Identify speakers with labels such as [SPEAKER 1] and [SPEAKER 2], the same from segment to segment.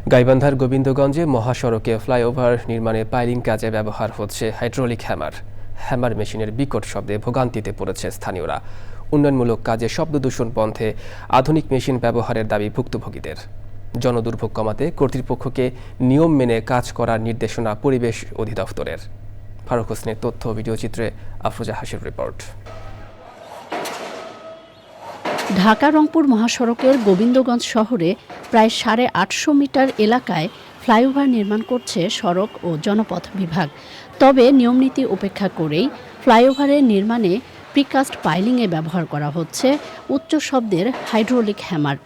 [SPEAKER 1] গাইবান্ধার গোবিন্দগঞ্জে মহাসড়কে ফ্লাইওভার নির্মাণে পাইলিং কাজে ব্যবহার হচ্ছে হাইড্রোলিক হ্যামার মেশিনের বিকট শব্দে ভোগান্তিতে পড়েছে স্থানীয়রা। উন্নয়নমূলক কাজে শব্দ দূষণ বন্ধে আধুনিক মেশিন ব্যবহারের দাবি ভুক্তভোগীদের। জনদুর্ভোগ কমাতে কর্তৃপক্ষকে নিয়ম মেনে কাজ করার নির্দেশনা পরিবেশ অধিদপ্তরের। ফারুক হোসেনের তথ্য ভিডিওচিত্রে আফরোজা হাসির রিপোর্ট।
[SPEAKER 2] ঢাকা-রংপুর মহাসড়কের গোবিন্দগঞ্জ শহরে প্রায় 850 মিটার এলাকায় ফ্লাইওভার নির্মাণ করছে সড়ক ও জনপথ বিভাগ। তবে নিয়মনীতি উপেক্ষা করেই ফ্লাইওভারের নির্মাণে প্রিকাস্ট পাইলিংয়ে ব্যবহার করা হচ্ছে উচ্চ শব্দের হাইড্রোলিক হ্যামার।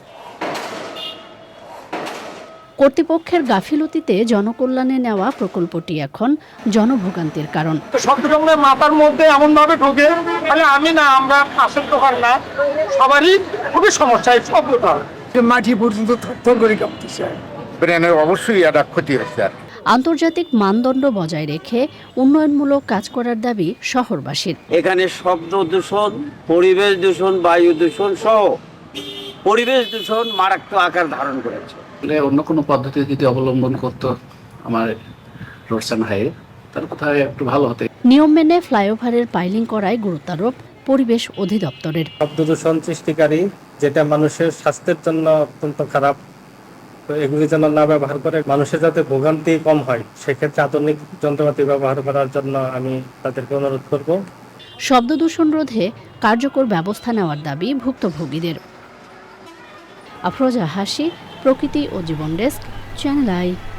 [SPEAKER 2] কর্তৃপক্ষের গাফিলতিতে জনকল্যাণে নেওয়া প্রকল্পটি এখন জনভোগান্তির কারণ।
[SPEAKER 3] শব্দটা মাথার মধ্যে এমন ভাবে ঢোকে, তাহলে আমি না, আমরা পাশের দোকান না, সবারই খুবই সমস্যা এই শব্দটা।
[SPEAKER 4] মাটি পর্যন্ত থর করে কাঁপতেছে, ব্রেনের অবশ্যই একটা ক্ষতি হচ্ছে।
[SPEAKER 2] আন্তর্জাতিক মানদণ্ড বজায় রেখে উন্নয়নমূলক কাজ করার দাবি শহরবাসীর।
[SPEAKER 5] এখানে শব্দ দূষণ, পরিবেশ দূষণ, বায়ু দূষণ সহ পরিবেশ দূষণ মারাত্মক আকার ধারণ করেছে।
[SPEAKER 6] অন্য কোনো পদ্ধতি যদি অবলম্বন করতো আমার রোডস অ্যান্ড হাইওয়ে, তার কোথায় একটু ভালো হতো।
[SPEAKER 2] নিয়ম মেনে ফ্লাইওভারের পাইলিং করায় গুরুত্বারোপ পরিবেশ অধিদপ্তরের।
[SPEAKER 7] শব্দ দূষণ সৃষ্টিকারী, যেটা মানুষের স্বাস্থ্যের জন্য অত্যন্ত খারাপ, তো এগুলি যেন না ব্যবহার করে মানুষের যাতে ভোগান্তি কম হয়, সেক্ষেত্রে আধুনিক যন্ত্রপাতি ব্যবহার করার জন্য আমি তাদেরকে অনুরোধ করব।
[SPEAKER 2] শব্দ দূষণ রোধে কার্যকর ব্যবস্থা নেওয়ার দাবি ভুক্তভোগীদের। আফরোজা হাসি, প্রকৃতি ও জীবন ডেস্ক, চ্যানেল আই।